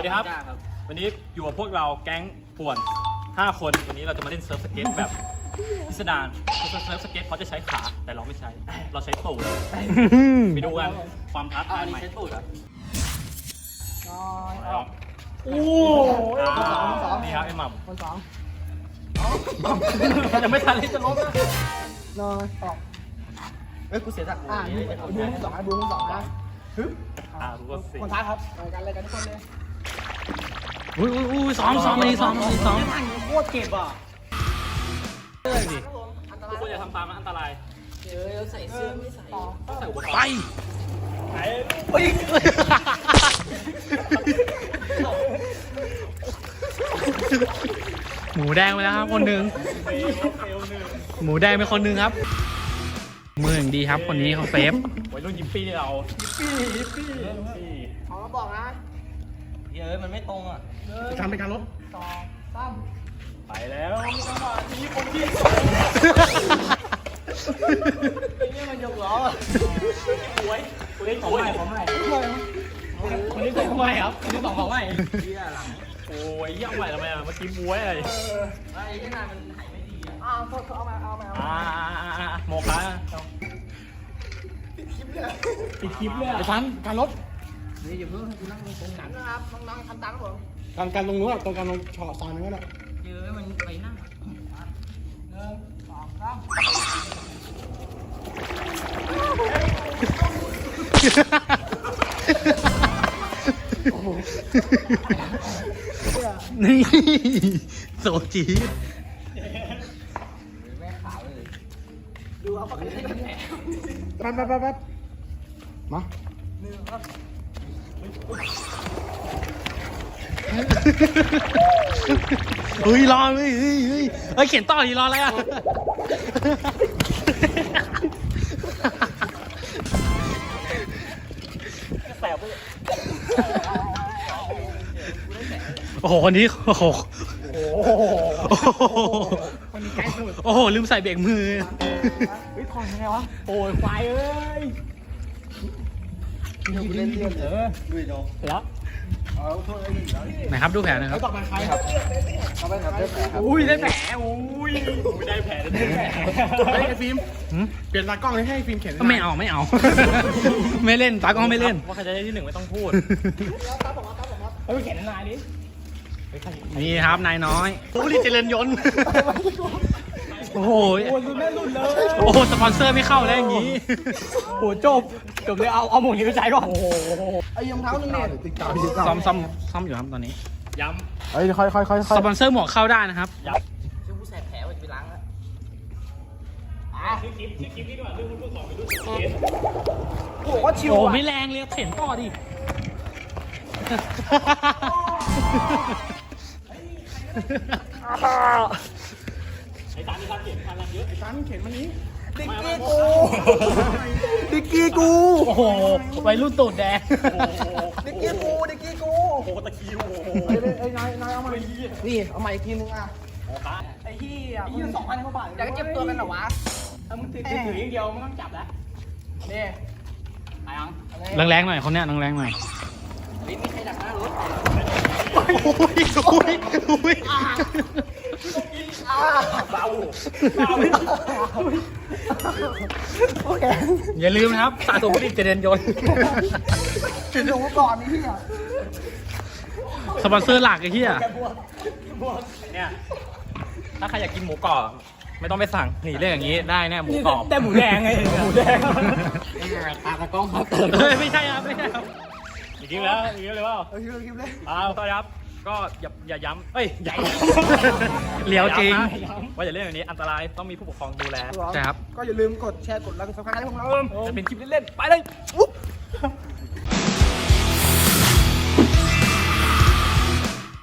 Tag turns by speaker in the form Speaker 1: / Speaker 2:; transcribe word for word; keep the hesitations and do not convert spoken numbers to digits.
Speaker 1: วัสดีครับวันนี้อยู่กับพวกเราแก๊งป่วนห้าคนวันนี้เราจะมาเล่นเซิร์ฟสเก็ตแบบพิสดารเซิร์ฟสเก็ตเขาจะใช้ขาแต่เราไม่ใช้เราใช้ตูดไปดูกันความท้าทายใหม่ใช้ตูดเหรอโอ้นี่ครับไอ้หม่ำคนสองจะไม่ทันเลยจะล้มนะ
Speaker 2: นอนออกเอ้ยกูเสียจากอ่าดูคนสองดูคนสองนะฮึบ
Speaker 1: อ่ารู้ว่าสิ
Speaker 2: คนท้ายครับรายการรายการทุกคนเลย
Speaker 3: อุ้ยอุ้ยอุ้ยซ้อมซ้อมนี่ซ้อมนี่ซ้อม
Speaker 2: โคตรเก็บอ่ะ
Speaker 1: เลยดิทุกคนอย่าทำตามนะอันตราย
Speaker 2: เดี๋ยวใส่เสื้อไม่ใส่
Speaker 1: ต้องใส่อุปกรณ์
Speaker 3: ไป
Speaker 1: ไหน
Speaker 3: หมูแดงไปแล้วครับคนหนึ่งหมูแดงเป็นคนหนึ่งครับมืออย่างดีครับคนนี้เขาเซฟ
Speaker 1: วัยรุ่นยิปปี้เรา
Speaker 2: ยิปปี้ยิปปี้ขอมาบอกนะ
Speaker 1: เฮ้ยมันไม่ตรงอ่ะ
Speaker 2: จะทำเป็นการลบสองสาม
Speaker 1: ไปแล้วจังหวะนี้คนที่ไอ้เนี่ยมันยกล้อหวยคนนี้ของใหม่ของใหม่คนนี้ของใหม่ครับคนนี้สองของใหม่โอ้ยย่างใหม่ทำไมอ่ะเมื่อกี้มวยอะไรไอ้ที่นานมันหายไม่ดีอ่ะ
Speaker 2: อ้าวเอามาเอามาเอามา
Speaker 1: อ่าโมคะ
Speaker 2: ติดคลิปเลย
Speaker 1: ติดคลิปเลย
Speaker 2: ไอ้ทันการลบนี่อย่าเพิ่งให้กูนั่งตรงกันนะครับน้องๆทำตามผมการการตรงนู้นตรงการตรงฉอซอยนั้นก็ได้
Speaker 1: เยอะมันไปนั่ง
Speaker 2: หนึ่งสองสาม
Speaker 3: นี่โซจี
Speaker 2: แม่ขาวเลยดูเอาปากกาให้กันแผลแป๊บแป๊บแป๊บมาหนึ่งครับ
Speaker 3: เฮ้ยรอเฮ้ยเฮ้ยเฮ้ยเฮ้ยเขียนต่อดีรออะไรอ่ะโอ้โหคนนี้โอ้โห
Speaker 2: คนนี้ใกล้สุด
Speaker 3: โอ้โหลืมใส่เบรกมือ
Speaker 2: เฮ้ยถอนยังไงวะ
Speaker 1: โอ้ยควายเอ้ย
Speaker 2: เล่นเล่นเออดูดิโด
Speaker 1: แล้ว
Speaker 3: ไหนครับดูแผลนะครับ
Speaker 2: ต่อไปใครครับต่อไปครับได้แผลครับ
Speaker 1: อุ้ยได้แผลอุ้ยไม่ได้แผลได้แผล
Speaker 2: เฮ้ยไอ้ฟิล์มเปลี่ยนตากล้องให้ฟิล์มเขียน
Speaker 3: ไม่เอาไม่เอาไม่เล่นตากล้องไม่เล่น
Speaker 1: ว่าใครจะได้ที่หนึ่งไม่ต้องพูด
Speaker 2: เฮ้ยเขียนนายดิ
Speaker 3: นี่ครับนายน้อยโอ้ยเจริญยนต์โอ้โห
Speaker 2: โอ้ยแม่รุ่นเลย
Speaker 3: โอ้โหสปอนเซอร์ไม่เข้าแล้วอย่างนี้
Speaker 1: โอ้จบจบเลยเอาเอาหมวกนี้ไปใช้ก่อน
Speaker 2: โอ้โหไอ้รองเท้าหนึ่งเนี่ย
Speaker 3: ซ่อมซ่อมซ่อมอยู่ครับตอนนี้
Speaker 1: ย้ำ
Speaker 2: เฮ้ยค่อยค่อยค่อย
Speaker 3: สปอนเซอร์หมวกเข้าได้นะครับ
Speaker 1: ย้ำชื่อผู้แสบแผลว่าจะไปล้างแล้วอ่ะชื่อคลิปชื่อคลิปนี้ดีกว่าเรื่องคุณผู้สอนเป็นรุ่นสเก็ต
Speaker 2: โอ้โหชิว
Speaker 3: โอ้ไม่แรงเลยเข็นต่อดิ
Speaker 1: ไอ้ตานี่ครับเขียนพันลังเยอะ
Speaker 2: ไอ้ตานี่เขียนมานี้ดิกกี้กูดิกกี้กู
Speaker 3: โอ้โหวัยรุ่นตูดแดง
Speaker 2: ดิกกี้กูดิกกี้กู
Speaker 1: โอ้โหตะคิวโอ้โห
Speaker 2: ไอ้นายนายเอามานี่เอามาอีกทีนึงอ่ะไอ้ที่อ่ะมึงสองพันกว่าบาทอยากเจ็บตัวกันเหรอวะ
Speaker 1: ถ้ามึงถือถืออย่างเดียวไม่ต้องจับแล้ว
Speaker 2: นี่
Speaker 1: ไอ้ยัง
Speaker 3: แรงๆหน่อยคนเนี้ยแรงๆหน่อย
Speaker 1: ลิ้นมีใครดักหน้ารถ
Speaker 3: โอ้ยโอ้ยโอ้ย
Speaker 1: เบาเบา
Speaker 2: โอเค
Speaker 3: อย่าลืมนะครับสะสมผลิตเจริญยนต์
Speaker 2: ถึงดูก่อนนี่อ่ะ
Speaker 3: สปอนเซอร์หลักไอ้เหี้ย
Speaker 1: เนี่ยถ้าใครอยากกินหมูกรอบไม่ต้องไปสั่งหนีเรื่องอย่างนี้ได้แน่หมูกรอบ
Speaker 2: แต่หมูแดงไงหมูแดง
Speaker 3: ตากระก้องครับไม่ใช่ครับไม่ใช่ครับ
Speaker 1: อีกทีแล้วอีกทีเลยว่า
Speaker 2: เออคลิปเลย
Speaker 1: อ้าวก็ครับก็อย่าอย่าย้ำเอ้ยอย่า
Speaker 3: เลี้ยวจริง
Speaker 1: ว่าอย่าเล่นแบบนี้อันตรายต้องมีผู้ปกครองดูแล
Speaker 3: ใช่ครับ
Speaker 2: ก็อย่าลืมกดแชร์กดไลค์กดซับสไครต์ให้พวกเรา
Speaker 1: จะเป็นคลิปเล่นๆไปเลย